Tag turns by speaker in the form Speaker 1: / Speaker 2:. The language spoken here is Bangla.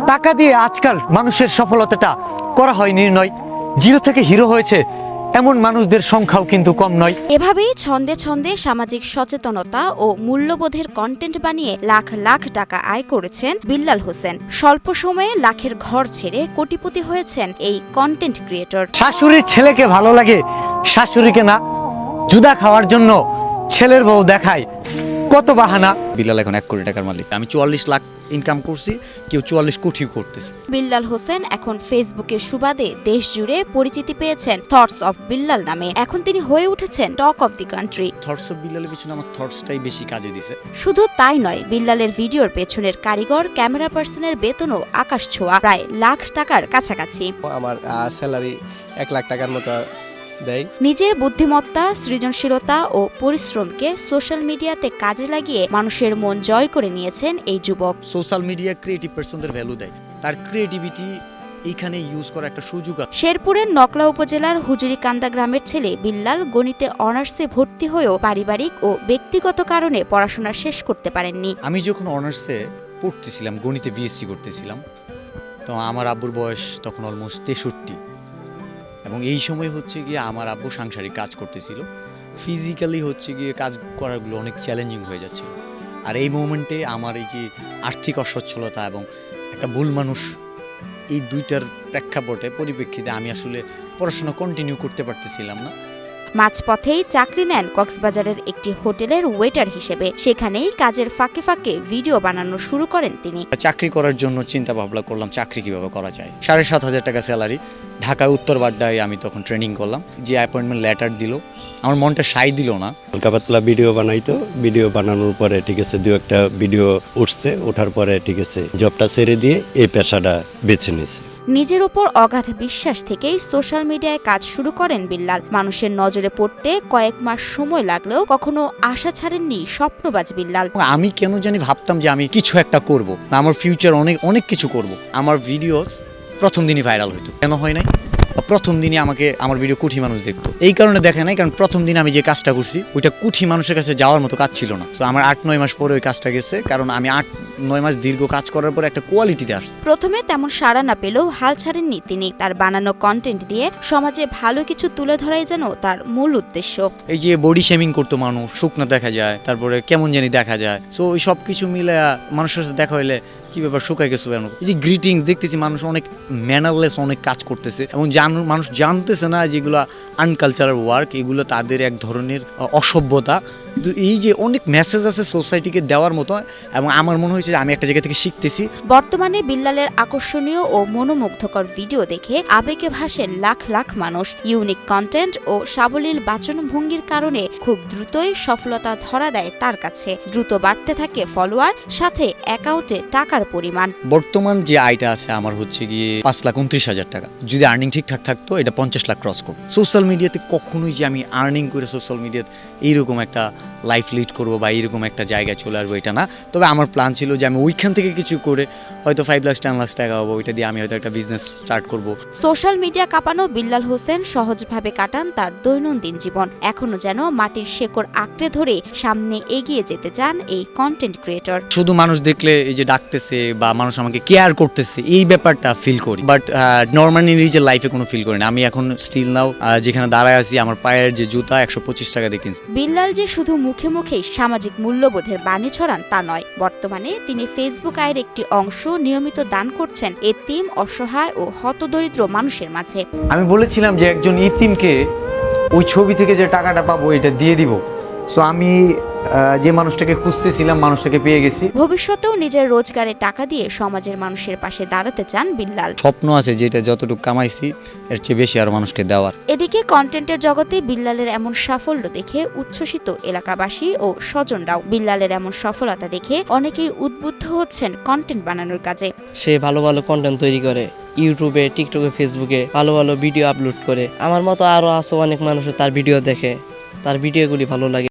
Speaker 1: টাকা দিয়ে আজকাল মানুষের সফলতাটা করা হয় নির্ণয়। জিরো থেকে হিরো হয়েছে এমন মানুষদের সংখ্যাও কিন্তু কম নয়।
Speaker 2: এভাবেই ছন্দে ছন্দে সামাজিক সচেতনতা ও মূল্যবোধের কন্টেন্ট বানিয়ে লাখ লাখ টাকা আয় করেছেন বিল্লাল হোসেন। স্বল্প সময়ে লাখের ঘর ছেড়ে কোটিপতি হয়েছেন এই কন্টেন্ট ক্রিয়েটর।
Speaker 1: শাশুড়ির ছেলেকে ভালো লাগে, শাশুড়িকে না। জুদা খাওয়ার জন্য ছেলের বউ দেখায় কত বাহানা।
Speaker 3: বিল্লাল এখন 1 কোটি টাকার মালিক। আমি 44 লাখ ইনকাম করছি, কেউ 44 কোটি করতেছে।
Speaker 2: বিল্লাল হোসেন এখন ফেসবুকের সুবাদে দেশ জুড়ে পরিচিতি পেয়েছেন থটস অফ বিল্লাল নামে। এখন তিনি হয়ে উঠেছেন talk of the country.
Speaker 3: Thoughts of বিল্লালের পিছনে আমার থটসটাই বেশি কাজে দিছে।
Speaker 2: শুধু তাই নয়, বিল্লালের ভিডিওর পেছনের কারিগর, ক্যামেরা পার্সনের বেতনও আকাশ ছোঁয়া, প্রায় লাখ টাকার কাছাকাছি।
Speaker 4: আমার স্যালারি 1 লাখ টাকার মতো দেয়।
Speaker 2: নিজের বুদ্ধিমত্তা, সৃজনশীলতা ও পরিশ্রমকে সোশ্যাল মিডিয়াতে কাজে লাগিয়ে মানুষের মন জয় করে নিয়েছেন এই যুবক।
Speaker 3: সোশ্যাল মিডিয়া ক্রিয়েটিভ পারসনদের ভ্যালু দেয়। তার ক্রিয়েটিভিটি এইখানে ইউজ করার একটা সুযোগ আছে।
Speaker 2: শেরপুরের নকলা উপজেলার হুজুরিকান্দা গ্রামের ছেলে বিল্লাল গণিতে অনার্সে ভর্তি হয়েও পারিবারিক ও ব্যক্তিগত কারণে পড়াশোনা শেষ করতে পারেননি।
Speaker 3: আমি যখন অনার্সে পড়তেছিলাম, গণিতে বিএসসি করতেছিলাম, তো আমার আব্বুর বয়স তখন অলমোস্ট 63, এবং এই সময় হচ্ছে গিয়ে আমার আব্বু সাংসারিক কাজ করতেছিল। ফিজিক্যালি হচ্ছে গিয়ে কাজ করাগুলো অনেক চ্যালেঞ্জিং হয়ে যাচ্ছিল। আর এই মোমেন্টে আমার এই যে আর্থিক অসচ্ছলতা এবং একটা ভুল মানুষ, এই দুইটার প্রেক্ষাপটে পরিপ্রেক্ষিতে আমি আসলে পড়াশোনা কন্টিনিউ করতে পারতেছিলাম না।
Speaker 2: মাঝপথেই চাকরি নেন কক্সবাজারের একটি হোটেলের ওয়েটার হিসেবে। সেখানেই কাজের ফাঁকে ফাঁকে ভিডিও বানানো শুরু করেন তিনি।
Speaker 3: চাকরি করার জন্য চিন্তা ভাবনা করলাম চাকরি কিভাবে করা যায়। 7,500 টাকা স্যালারি, ঢাকায় উত্তর বাড্ডায় আমি তখন ট্রেনিং করলাম। যে অ্যাপয়েন্টমেন্ট লেটার দিল, আমার মনটা সাই দিল না।
Speaker 5: হালকা পাতলা ভিডিও বানাইতো, ভিডিও বানানোর পরে ঠিক আছে 2-1টা ভিডিও উঠছে, ওঠার পরে ঠিক আছে জবটা ছেড়ে দিয়ে এই পেশাটা বেছে নিয়েছে।
Speaker 2: নিজের উপর অগাধ বিশ্বাস থেকেই সোশ্যাল মিডিয়ায় কাজ শুরু করেন বিল্লাল। মানুষের নজরে পড়তে কয়েক মাস সময় লাগলেও কখনো আশা ছাড়েননি স্বপ্নবাজ বিল্লাল।
Speaker 3: আমি কেন জানি ভাবতাম যে আমি কিছু একটা করব, না আমার ফিউচার অনেক অনেক কিছু করব। আমার ভিডিওস প্রথম দিনই ভাইরাল হইতো। কেন হয় নাই? প্রথম দিনই আমাকে আমার ভিডিও কোটি মানুষ দেখতো। এই কারণে দেখে নাই, কারণ প্রথম দিন আমি যে কাজটা করছি ওইটা কোটি মানুষের কাছে যাওয়ার মতো কাজ ছিল না। তো আমার 8-9 মাস পরে ওই কাজটা গেছে, কারণ আমি 8-9 মাস দীর্ঘ কাজ করার পর একটা কোয়ালিটিতে আসছে।
Speaker 2: প্রথমে তেমন সাড়া না পেলেও হাল ছাড়েননি তিনি। তার বানানো কন্টেন্ট দিয়ে সমাজে ভালো কিছু তুলে ধরাই যেন তার মূল উদ্দেশ্য।
Speaker 3: এই যে বডি শেমিং করতো মানুষ, শুকনো দেখা যায়, তারপরে কেমন জানি দেখা যায়, সো ওই সব কিছু মিলে মানুষের সাথে দেখা হইলে কি ব্যাপার শুকাই গেছো কেন। এই যে গ্রিটিংস দেখতেছি, মানুষ অনেক ম্যানারলেস অনেক কাজ করতেছে, এবং মানুষ জানতেছে না যেগুলো আনকালচারাল ওয়ার্ক, এগুলো তাদের এক ধরনের অসভ্যতা। কিন্তু এই যে অনেক মেসেজ আছে সোসাইটিকে দেওয়ার মতো, এবং আমার মনে হয়েছে যে আমি একটা জায়গা থেকে শিখতেছি।
Speaker 2: বর্তমানে বিল্লালের আকর্ষণীয় ও মনোমুগ্ধকর ভিডিও দেখে আবেগে ভাসেন লাখ লাখ মানুষ। ইউনিক কন্টেন্ট ও সাবলীল বাচনভঙ্গির কারণে খুব দ্রুতই সফলতা ধরা দেয় তার কাছে। দ্রুত বাড়তে থাকে ফলোয়ার, সাথে অ্যাকাউন্টে টাকার পরিমাণ।
Speaker 3: বর্তমান যে আয়টা আছে আমার হচ্ছে গিয়ে 5,29,000 টাকা। যদি আর্নিং ঠিকঠাক থাকতো এটা 50 লাখ ক্রস করতো। সোশ্যাল মিডিয়াতে কখনোই যে আমি আর্নিং করে সোশ্যাল মিডিয়াতে এইরকম একটা লাইফ লিড করবো বা এইরকম একটা জায়গায় চলে আসবো, এটা না। তবে আমার প্ল্যান ছিল যে আমি ওইখান থেকে কিছু করে হয়তো 5 লাখ 10 লাখ টাকা হবো, ওইটা দিয়ে আমি হয়তো একটা বিজনেস স্টার্ট করবো।
Speaker 2: সোশ্যাল মিডিয়া কাঁপানো বিল্লাল হোসেন সহজভাবে কাটান তার দৈনন্দিন জীবন। এখনো যেন মাটির শেকড় আঁকড়ে ধরে সামনে এগিয়ে যেতে চান এই কন্টেন্ট ক্রিয়েটর।
Speaker 3: শুধু মানুষ দেখলে এই যে ডাকতেছে বা মানুষ আমাকে কেয়ার করতেছে, এই ব্যাপারটা ফিল করি, বাট নর্মালি নিজের লাইফে কোনো ফিল করি না। আমি এখন স্টিল নাও যেখানে দাঁড়ায় আছি, আমার পায়ের যে জুতা 125 টাকা দিয়ে কিনছি।
Speaker 2: বিল্লাল যে শুধু মুখে মুখেই সামাজিক মূল্যবোধের বাণী ছড়ান তা নয়, বর্তমানে তিনি ফেসবুক আয়ের একটি অংশ নিয়মিত দান করছেন এতিম, অসহায় ও হতদরিদ্র মানুষের মাঝে।
Speaker 1: আমি বলেছিলাম যে একজন ইতিমকে ওই ছবি থেকে যে টাকাটা পাবো এটা দিয়ে দিব। সো আমি যে মানুষটাকে খুঁজতেছিলাম মানুষটাকে পেয়ে গেছি।
Speaker 2: ভবিষ্যতেও নিজের রোজগারের টাকা দিয়ে সমাজের মানুষের পাশে দাঁড়াতে চান বিল্লাল।
Speaker 3: স্বপ্ন আছে যেটা যতটুকু কামাইছি এর চেয়ে বেশি আর মানুষকে দেওয়ার।
Speaker 2: এদিকে কন্টেন্টের জগতে বিল্লালের এমন সাফল্য দেখে উচ্ছ্বসিত এলাকাবাসী ও স্বজনরাও। বিল্লালের এমন সফলতা দেখে অনেকেই উদ্বুদ্ধ হচ্ছেন কন্টেন্ট বানানোর কাজে।
Speaker 6: সে ভালো ভালো কন্টেন্ট তৈরি করে, ইউটিউবে, টিকটকে, ফেসবুকে ভালো ভালো ভিডিও আপলোড করে। আমার মতো আরও আছে অনেক মানুষ তার ভিডিও দেখে, তার ভিডিওগুলি ভালো লাগে।